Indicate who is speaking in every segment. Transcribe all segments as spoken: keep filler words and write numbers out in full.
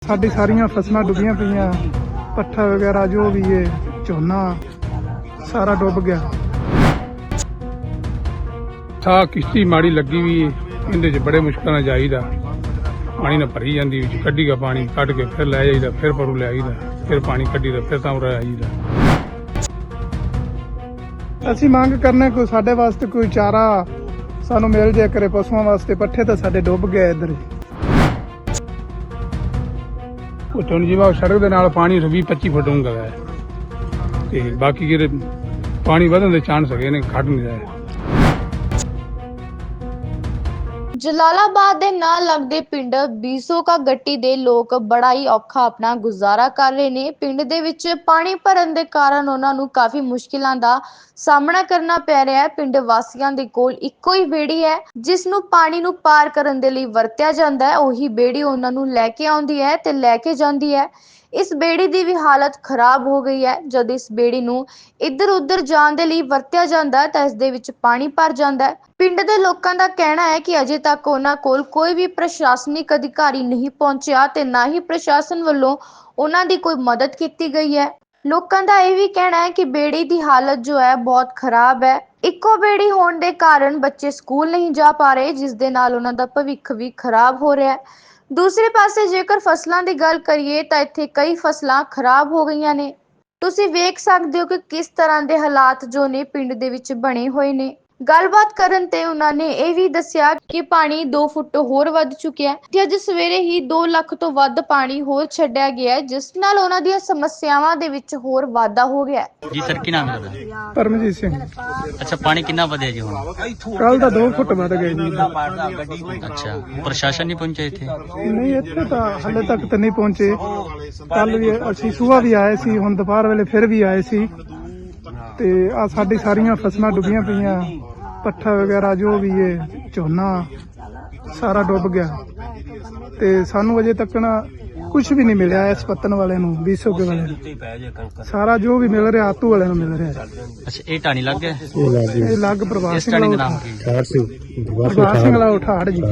Speaker 1: साडी सारियां फसलां डुबियां पईयां, पट्ठा वगैरह जो भी है झोना सारा डुब गया। था किश्ती माड़ी लगी भी इहदे च बड़े मुश्किल नाल जाईदा, पानी ना भरी जांदी, विच कड्ढी गा पानी कढ के फिर लै जाईदा, फिर परू लै आईदा, फिर पानी कड्ढी दा फिर तां उरा आईदा। ਅਸੀਂ ਮੰਗ ਕਰਨੇ ਕੋਈ ਸਾਡੇ ਵਾਸਤੇ ਕੋਈ ਚਾਰਾ ਸਾਨੂੰ ਮਿਲ ਜਾਏ ਕਰੇ, ਪਸ਼ੂਆਂ ਵਾਸਤੇ ਪੱਠੇ ਤਾਂ ਸਾਡੇ ਡੁੱਬ ਗਏ ਇੱਧਰ। ਉਤੋਂ ਜਿਵੇਂ ਸੜਕ ਦੇ ਨਾਲ ਪਾਣੀ ਵੀਹ ਪੱਚੀ ਫੁੱਟ ਡੂੰਘਾ ਹੈ ਤੇ ਬਾਕੀ ਜਿਹੜੇ ਪਾਣੀ ਵਧਣ ਦੇ ਚਾਂਸ ਹੈਗੇ ਨੇ ਖੜ ਨਹੀਂ ਰਹੇ।
Speaker 2: ਜਲਾਲਾਬਾਦ ਦੇ ਨਾਲ ਲੱਗਦੇ ਪਿੰਡ ਬੀਸੋ ਕਾ ਗੱਟੀ ਦੇ ਲੋਕ ਬੜਾ ਹੀ ਔਖਾ ਆਪਣਾ ਗੁਜ਼ਾਰਾ ਕਰ ਰਹੇ ਨੇ। ਪਿੰਡ ਦੇ ਵਿੱਚ ਪਾਣੀ ਭਰਨ ਦੇ ਕਾਰਨ ਉਹਨਾਂ ਨੂੰ ਕਾਫੀ ਮੁਸ਼ਕਿਲਾਂ ਦਾ ਸਾਹਮਣਾ ਕਰਨਾ ਪੈ ਰਿਹਾ ਹੈ। ਪਿੰਡ ਵਾਸੀਆਂ ਦੇ ਕੋਲ ਇੱਕੋ ਹੀ ਬੇੜੀ ਹੈ ਜਿਸ ਨੂੰ ਪਾਣੀ ਨੂੰ ਪਾਰ ਕਰਨ ਦੇ ਲਈ ਵਰਤਿਆ ਜਾਂਦਾ ਹੈ। ਉਹੀ ਬੇੜੀ ਉਹਨਾਂ ਨੂੰ ਲੈ ਕੇ ਆਉਂਦੀ ਹੈ ਤੇ ਲੈ ਕੇ ਜਾਂਦੀ ਹੈ। ਇਸ ਬੇੜੀ ਦੀ ਵੀ ਹਾਲਤ ਖਰਾਬ ਹੋ ਗਈ ਹੈ। ਜਦ ਇਸ ਬੇੜੀ ਨੂੰ ਇੱਧਰ ਉੱਧਰ ਜਾਣ ਦੇ ਲਈ ਵਰਤਿਆ ਜਾਂਦਾ ਹੈ ਤਾਂ ਇਸ ਦੇ ਵਿੱਚ ਪਾਣੀ ਭਰ ਜਾਂਦਾ ਹੈ। ਪਿੰਡ ਦੇ ਲੋਕਾਂ ਦਾ ਕਹਿਣਾ ਹੈ ਕਿ ਅਜੇ ਤੱਕ ਉਹਨਾਂ ਕੋਲ ਕੋਈ ਵੀ ਪ੍ਰਸ਼ਾਸਨਿਕ ਅਧਿਕਾਰੀ ਨਹੀਂ ਪਹੁੰਚਿਆ ਤੇ ਨਾ ਹੀ ਪ੍ਰਸ਼ਾਸਨ ਵੱਲੋਂ ਉਹਨਾਂ ਦੀ ਕੋਈ ਮਦਦ ਕੀਤੀ ਗਈ ਹੈ। ਲੋਕਾਂ ਦਾ ਇਹ ਵੀ ਕਹਿਣਾ ਹੈ ਕਿ ਬੇੜੀ ਦੀ ਹਾਲਤ ਜੋ ਹੈ ਬਹੁਤ ਖਰਾਬ ਹੈ। ਇੱਕੋ ਬੇੜੀ ਹੋਣ ਦੇ ਕਾਰਨ ਬੱਚੇ ਸਕੂਲ ਨਹੀਂ ਜਾ ਪਾ ਰਹੇ, ਜਿਸ ਦੇ ਨਾਲ ਉਹਨਾਂ ਦਾ ਭਵਿੱਖ ਵੀ ਖਰਾਬ ਹੋ ਰਿਹਾ ਹੈ। ਦੂਸਰੇ ਪਾਸੇ ਜੇਕਰ ਫਸਲਾਂ ਦੀ ਗੱਲ ਕਰੀਏ ਤਾਂ ਇੱਥੇ ਕਈ ਫਸਲਾਂ ਖਰਾਬ ਹੋ ਗਈਆਂ ਨੇ। ਤੁਸੀਂ ਵੇਖ ਸਕਦੇ ਹੋ ਕਿ ਕਿਸ ਤਰ੍ਹਾਂ ਦੇ ਹਾਲਾਤ ਜੋ ਨੇ ਪਿੰਡ ਦੇ ਵਿੱਚ ਬਣੇ ਹੋਏ ਨੇ। ਗੱਲਬਾਤ ਕਰਨ ਤੇ ਉਹਨਾਂ ਨੇ ਇਹ ਵੀ ਦੱਸਿਆ ਕਿ ਪਾਣੀ ਦੋ ਫੁੱਟ ਹੋਰ ਵੱਧ ਚੁੱਕਿਆ ਹੈ ਤੇ ਅੱਜ ਸਵੇਰੇ ਹੀ ਦੋ ਲੱਖ ਤੋਂ ਵੱਧ ਪਾਣੀ ਹੋਰ ਛੱਡਿਆ ਗਿਆ ਹੈ, ਜਿਸ ਨਾਲ ਉਹਨਾਂ ਦੀਆਂ ਸਮੱਸਿਆਵਾਂ ਦੇ ਵਿੱਚ ਹੋਰ ਵਾਧਾ ਹੋ ਗਿਆ ਹੈ।
Speaker 3: ਜੀ ਸਰ, ਕੀ ਨਾਮ ਹੈ ਤੁਹਾਡਾ?
Speaker 1: ਪਰਮਜੀਤ ਸਿੰਘ।
Speaker 3: ਅੱਛਾ, ਪਾਣੀ ਕਿੰਨਾ ਵਧਿਆ ਜੀ ਹੁਣ?
Speaker 1: ਕੱਲ ਦਾ ਦੋ ਫੁੱਟ ਵੱਧ ਗਏ ਜੀ।
Speaker 3: ਅੱਛਾ, ਪ੍ਰਸ਼ਾਸਨ ਨਹੀਂ ਪਹੁੰਚਿਆ ਇੱਥੇ?
Speaker 1: ਨਹੀਂ, ਇੱਥੇ ਤਾਂ ਹਾਲੇ ਤੱਕ ਤਾਂ ਨਹੀਂ ਪਹੁੰਚੇ। ਕੱਲ ਵੀ ਅਸੀਂ ਸੁਬਾਹ ਵੀ ਆਏ ਸੀ, ਹੁਣ ਦੁਪਹਿਰ ਵੇਲੇ ਫਿਰ ਵੀ ਆਏ ਸੀ ਤੇ ਆ ਸਾਡੀ ਸਾਰੀਆਂ ਫਸਲਾਂ ਡੁੱਬੀਆਂ ਪਈਆਂ, ਪੱਠਾ ਵਗੈरह ਜੋ ਵੀ ਹੈ ਝੋਨਾ ਸਾਰਾ ਡੁੱਬ ਗਿਆ ਤੇ ਸਾਨੂੰ ਅਜੇ ਤੱਕ ਨਾ ਕੁਝ ਵੀ ਨਹੀਂ ਮਿਲਿਆ। ਇਸ ਪੱਤਨ ਵਾਲੇ ਨੂੰ ਬੀਸੋ ਕੇ ਵਾਲੇ ਨੂੰ ਸਾਰਾ ਜੋ ਵੀ ਮਿਲ ਰਿਹਾ ਆਤੂ ਵਾਲੇ ਨੂੰ ਮਿਲ ਰਿਹਾ।
Speaker 3: ਅੱਛਾ, ਇਹ ਟਾਣੀ ਲੱਗ ਗਿਆ?
Speaker 1: ਇਹ ਲੱਗ ਪ੍ਰਭਾਸ ਸਿੰਘ
Speaker 3: ਦਾ ਨਾਮ ਕੀ?
Speaker 1: ਪ੍ਰਭਾਸ ਸਿੰਘ ਵਾਲਾ ਉਠਾੜ ਜੀ।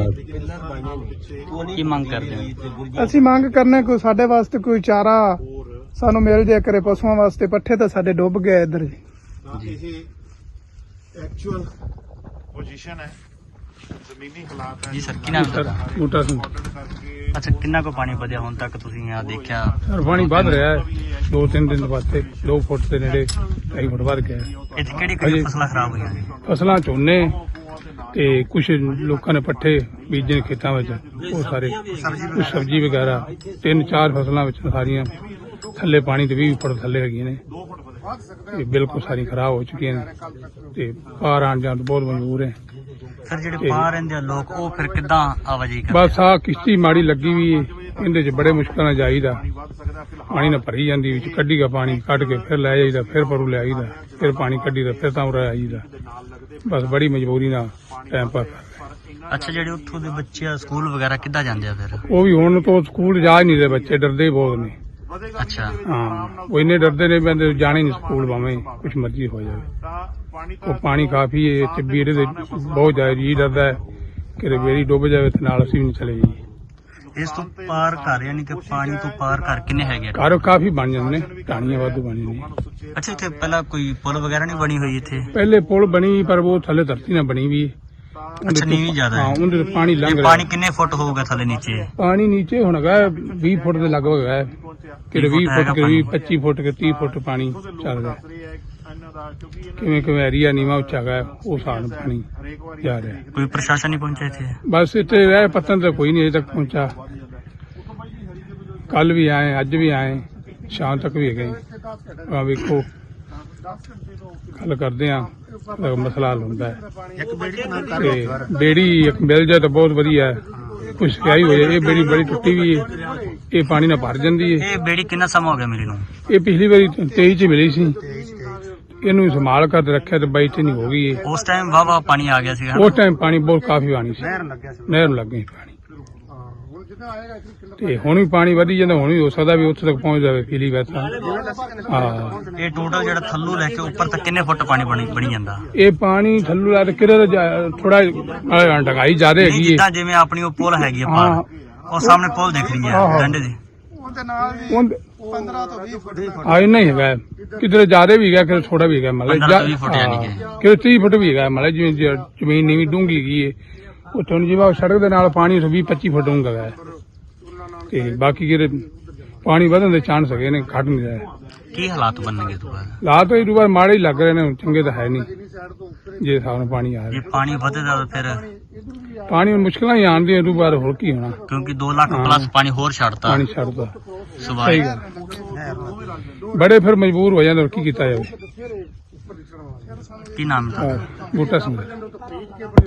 Speaker 3: ਕੀ ਮੰਗ ਕਰਦੇ ਹੋ?
Speaker 1: ਅਸੀਂ ਮੰਗ ਕਰਨੇ ਕੋਈ ਸਾਡੇ ਵਾਸਤੇ ਕੋਈ ਚਾਰਾ ਸਾਨੂੰ ਮਿਲ ਜਾਏ ਕਰੇ, ਪਸ਼ੂਆਂ ਵਾਸਤੇ ਪੱਠੇ ਤਾਂ ਸਾਡੇ ਡੁੱਬ ਗਏ ਇੱਧਰ ਜੀ।
Speaker 4: एक्चुअल पोजीशन है, जमीनी हालात है।
Speaker 3: ਜੀ ਸਰ, ਕੀ ਨਾਮ ਹੈ ਤੁਹਾਡਾ?
Speaker 1: ਬੂਟਾ ਸਿੰਘ।
Speaker 3: ਅੱਛਾ, ਕਿੰਨਾ ਕੋ ਪਾਣੀ ਵਧਿਆ ਹੁਣ ਤੱਕ ਤੁਸੀਂ ਆ ਦੇਖਿਆ?
Speaker 1: ਸਰ ਪਾਣੀ ਵੱਧ ਰਿਹਾ ਹੈ, ਦੋ ਤਿੰਨ ਦਿਨ ਵਾਸਤੇ ਦੋ ਫੁੱਟ ਦੇ ਨੇੜੇ ਢਾਈ ਫੁੱਟ ਵੱਧ ਗਿਆ।
Speaker 3: ਇੱਥੇ ਕਿਹੜੀ ਕਿਹੜੀ ਫਸਲਾਂ ਖਰਾਬ ਹੋਈਆਂ ਨੇ?
Speaker 1: ਫਸਲਾਂ ਝੋਨੇ ਤੇ ਕੁਝ ਲੋਕਾਂ ਨੇ ਪੱਠੇ ਬੀਜੇ ਖੇਤਾਂ ਵਿੱਚ, ਉਹ ਸਾਰੇ ਕੁਝ ਸਬਜ਼ੀ ਵਗੈਰਾ ਤਿੰਨ ਚਾਰ ਫਸਲਾਂ ਵਿੱਚ ਸਾਰੀਆਂ ਥੱਲੇ ਪਾਣੀ ਦੇ ਵੀਹ ਫੁੱਟ ਥੱਲੇ ਹੈਗੀਆਂ ਨੇ। ਇਹ ਬਿਲਕੁਲ ਸਾਰੀ ਖਰਾਬ ਹੋ ਚੁੱਕੀਆਂ ਨੇ ਤੇ ਪਾਰ ਆਣ ਜਾਣ ਤੋਂ ਬਹੁਤ ਮਜਬੂਰ ਹੈ।
Speaker 3: ਸਰ, ਜਿਹੜੇ ਪਾਰ ਰਹਿੰਦੇ ਆ ਲੋਕ, ਉਹ ਫਿਰ ਕਿੱਦਾਂ ਆਵਾਜਾਈ ਕਰਦੇ?
Speaker 1: ਬਸ ਆ ਕਿਸ਼ਤੀ ਮਾੜੀ ਲੱਗੀ ਵੀ ਇਹਦੇ ਚ ਬੜੇ ਮੁਸ਼ਕਿਲ ਨਾਲ ਜਾਈਦਾ, ਪਾਣੀ ਨਾ ਭਰੀ ਜਾਂਦੀ, ਵਿੱਚ ਕੱਢੀ ਗਾ ਪਾਣੀ ਕੱਢ ਕੇ ਫਿਰ ਲੈ ਜਾਈਦਾ, ਫਿਰ ਪਰੂ ਲੈ ਆਈਦਾ, ਫਿਰ ਪਾਣੀ ਕੱਢੀ ਦਾ ਫਿਰ ਤਾਂ ਉਰਾ ਆਈਦਾ। ਬਸ ਬੜੀ ਮਜਬੂਰੀ ਨਾਲ ਟਾਈਮ ਪਾਸ ਕਰ।
Speaker 3: ਅੱਛਾ, ਜਿਹੜੇ ਉੱਥੋਂ ਦੇ ਬੱਚੇ ਆ ਸਕੂਲ ਵਗੈਰਾ ਕਿੱਦਾਂ ਜਾਂਦੇ ਆ ਫਿਰ?
Speaker 1: ਉਹ ਵੀ ਹੁਣ ਤੋਂ ਸਕੂਲ ਜਾ ਹੀ ਨਹੀਂ ਰਹੇ, ਬੱਚੇ ਡਰਦੇ ਬਹੁਤ ਨੇ।
Speaker 3: ਅੱਛਾ,
Speaker 1: ਹਾਂ, ਉਹ ਇੰਨੇ ਡਰਦੇ ਨੇ ਬੰਦੇ ਜਾਣੇ ਨਹੀਂ ਸਕੂਲ, ਭਾਵੇਂ ਕੁਛ ਮਰਜ਼ੀ ਹੋ ਜਾਵੇ। ਉਹ ਪਾਣੀ ਕਾਫੀ ਹੈ ਤੇ ਬੇੜੇ ਦੇ ਬਹੁਤ ਜ਼ਿਆਦਾ ਜੀ ਡਰਦਾ ਹੈ ਕਿ ਬੇੜੀ ਡੁੱਬ ਜਾਵੇ ਤੇ ਨਾਲ ਅਸੀਂ ਵੀ ਨਹੀਂ ਚਲੇ ਜਾਈਏ।
Speaker 3: ਇਸ ਤੋਂ ਪਾਰ ਘਰ ਯਾਨੀ ਕਿ ਪਾਣੀ ਤੋਂ ਪਾਰ ਘਰ ਕਿੰਨੇ ਹੈਗੇ?
Speaker 1: ਘਰ ਕਾਫੀ ਬਣ ਜਾਂਦੇ ਨੇ, ਢਾਣੀਆਂ ਵਾਧੂ ਬਣ ਜਾਂਦੀਆਂ।
Speaker 3: ਅੱਛਾ, ਇੱਥੇ ਪਹਿਲਾਂ ਕੋਈ ਪੁਲ ਵਗੈਰਾ ਨਹੀਂ ਬਣੀ ਹੋਈ ਇੱਥੇ?
Speaker 1: ਪਹਿਲੇ ਪੁਲ ਬਣੀ ਪਰ ਉਹ ਥੱਲੇ ਧਰਤੀ ਨਾਲ ਬਣੀ ਵੀ।
Speaker 3: ਅੱਛਾ, ਨੀਵੀਂ ਜ਼ਿਆਦਾ
Speaker 1: ਹਾਂ,
Speaker 3: ਹੈ।
Speaker 1: ਉਹਦੇ ਤੋਂ ਪਾਣੀ ਲੰਘ ਰਿਹਾ।
Speaker 3: ਪਾਣੀ ਕਿੰਨੇ ਫੁੱਟ ਹੋਊਗਾ ਥੱਲੇ ਨੀਚੇ?
Speaker 1: ਪਾਣੀ ਨੀਚੇ ਹੁਣ ਹੈਗਾ ਵੀਹ ਫੁੱਟ ਦੇ ਲਗਭਗ ਹੈ, ਕਿ ਵੀਹ ਫੁੱਟ ਕਿ ਵੀਹ ਪੱਚੀ ਫੁੱਟ ਕਿ ਤੀਹ ਫੁੱਟ ਪਾਣੀ ਚੱਲ ਰਿਹਾ। ਕਿਵੇਂ ਕਿਵੇਂ ਏਰੀਆ ਨੀਵਾਂ ਉੱਚਾ ਹੈਗਾ ਉਹ ਹਿਸਾਬ ਨਾਲ ਪਾਣੀ ਜਾ ਰਿਹਾ।
Speaker 3: ਕੋਈ ਪ੍ਰਸ਼ਾਸਨ ਨਹੀਂ ਪਹੁੰਚਿਆ ਇੱਥੇ?
Speaker 1: ਬਸ ਇੱਥੇ ਰਹਿ ਪਤਨ ਤਾਂ ਕੋਈ ਨਹੀਂ ਅਜੇ ਤੱਕ ਪਹੁੰਚਾ। ਕੱਲ ਵੀ ਆਏ, ਅੱਜ ਵੀ ਆਏ, ਸ਼ਾਮ ਤੱਕ ਵੀ ਹੈਗੇ। ਆ ਵੇਖੋ, ਗੱਲ ਕਰਦੇ ਆ, ਮਸਲਾ ਹੱਲ ਹੁੰਦਾ ਹੈ। ਤੇ ਬੇੜੀ ਇੱਕ ਮਿਲ ਜਾਏ ਤਾਂ ਬਹੁਤ ਵਧੀਆ ਹੈ, ਕੁਛ ਸਿਆਹੀ ਹੋ ਜਾਏ। ਇਹ ਬੇੜੀ ਬੜੀ ਟੁੱਟੀ ਵੀ ਹੈ, ਇਹ ਪਾਣੀ ਨਾਲ ਭਰ ਜਾਂਦੀ ਹੈ।
Speaker 3: ਇਹ ਬੇੜੀ ਕਿੰਨਾ ਸਮਾਂ ਹੋ ਗਿਆ ਮਿਲੀ ਨੂੰ?
Speaker 1: ਇਹ ਪਿਛਲੀ ਵਾਰੀ ਤੇਈ ਚ ਮਿਲੀ ਸੀ, ਇਹਨੂੰ ਸੰਭਾਲ ਕਰ ਰੱਖਿਆ ਤੇ ਬਾਈ ਚ ਨਹੀਂ ਹੋ ਗਈ।
Speaker 3: ਉਸ ਟਾਈਮ ਵਾਹ ਵਾਹ ਪਾਣੀ ਆ ਗਿਆ ਸੀ?
Speaker 1: ਉਸ ਟਾਈਮ ਪਾਣੀ ਬਹੁਤ ਕਾਫੀ ਪਾਣੀ ਸੀ, ਨਹਿਰ ਨੂੰ ਲੱਗ ਗਈ ਪਾਣੀ। ਤੇ ਹੁਣ ਵੀ ਪਾਣੀ ਵਧੀ ਜਾਂਦਾ, ਹੁਣ ਵੀ ਹੋ ਸਕਦਾ ਵੀ ਉੱਥੇ ਤੱਕ ਪਹੁੰਚ ਜਾਵੇ ਪੀਲੀ ਵੈਸਾ। ਹਾਂ,
Speaker 3: ਇਹ ਟੋਟਲ ਜਿਹੜਾ ਥੱਲੋਂ ਲੈ ਕੇ ਉੱਪਰ ਤੱਕ ਕਿੰਨੇ ਫੁੱਟ ਪਾਣੀ ਬਣੀ ਬਣੀ ਜਾਂਦਾ?
Speaker 1: ਇਹ ਪਾਣੀ ਥੱਲੋਂ ਲਾ ਕੇ ਕਿਹੜਾ ਥੋੜਾ ਢਗਾਈ ਜ਼ਿਆਦਾ ਹੈਗੀ ਹੈ।
Speaker 3: ਜਿੱਦਾਂ ਜਿਵੇਂ ਆਪਣੀ ਉਹ ਪੁਲ ਹੈਗੀ ਆ ਪਾਰ, ਉਹ ਸਾਹਮਣੇ ਪੁਲ ਦਿਖ ਰਹੀ ਹੈ ਡੰਡੇ ਦੀ,
Speaker 1: ਦੇ ਨਾਲ ਵੀ
Speaker 5: ਉਹਦੇ
Speaker 1: ਪੰਦਰਾਂ ਤੋਂ ਵੀਹ ਫੁੱਟ ਤੱਕ
Speaker 5: ਆ ਇੰਨਾ ਹੀ ਹੈਗਾ ਕਿਧਰੇ ਜ਼ਿਆਦਾ ਵੀ ਹੈਗਾ ਕਿਧਰੇ ਥੋੜਾ ਵੀ ਹੈਗਾ ਮਤਲਬ
Speaker 3: ਪੰਦਰਾਂ ਤੋਂ ਵੀਹ ਫੁੱਟ ਯਾਨੀ ਕਿ।
Speaker 5: ਕਿਧਰੇ ਤੀਹ ਫੁੱਟ ਵੀ ਹੈਗਾ ਮਤਲਬ ਜਿਵੇਂ ਜ- ਜ਼ਮੀਨ ਨੀਵੀਂ ਡੂੰਘੀ ਗਈ ਹੈ ਉੱਥੋਂ ਜਿਵੇਂ ਸੜਕ ਦੇ ਨਾਲ ਪਾਣੀ ਵੀਹ ਪੱਚੀ ਫੁੱਟ ਡੂੰਘਾ ਹੈ ਤੇ ਬਾਕੀ ਕਿਹੜੇ ਪਾਣੀ ਵਧਣ ਦੇ ਚਾਂਸ ਹੈਗੇ ਨੇ ਘਟ ਨਹੀਂ ਰਹੇ
Speaker 3: ਕੀ ਹਾਲਾਤ ਬਣਨਗੇ ਦੁਬਾਰਾ
Speaker 5: ਹਾਲਾਤ ਇਹ ਵਾਰ ਮਾੜੇ ਹੀ ਲੱਗ ਰਹੇ ਨੇ ਚੰਗੇ ਤਾਂ ਹੈ ਨਹੀਂ ਜੇ ਹਿਸਾਬ ਨਾਲ ਪਾਣੀ ਆ
Speaker 3: ਜੇ
Speaker 5: ਰਿਹਾ
Speaker 3: ਪਾਣੀ ਵਧੇਗਾ ਤਾਂ ਫਿਰ
Speaker 5: ਪਾਣੀ ਹੁਣ ਮੁਸ਼ਕਲਾਂ ਹੀ ਆਉਂਦੀਆਂ ਇਹ ਬਾਅਦ ਹੋਰ ਕੀ ਹੋਣਾ
Speaker 3: ਕਿਉਂਕਿ ਦੋ ਲੱਖ ਪਲੱਸ ਪਾਣੀ ਹੋਰ ਛੱਡਤਾ
Speaker 5: ਪਾਣੀ ਛੱਡਦਾ
Speaker 3: ਸਵਾਈ
Speaker 5: ਸਹੀ ਗੱਲ ਬੜੇ ਫਿਰ ਮਜਬੂਰ ਹੋ ਜਾਂਦੇ ਹੋਰ ਕੀ ਕੀਤਾ ਜਾਵੇ
Speaker 3: ਕੀ ਨਾਮ ਹੈ?
Speaker 5: ਹਾਂ, ਬੂਟਾ ਸਿੰਘ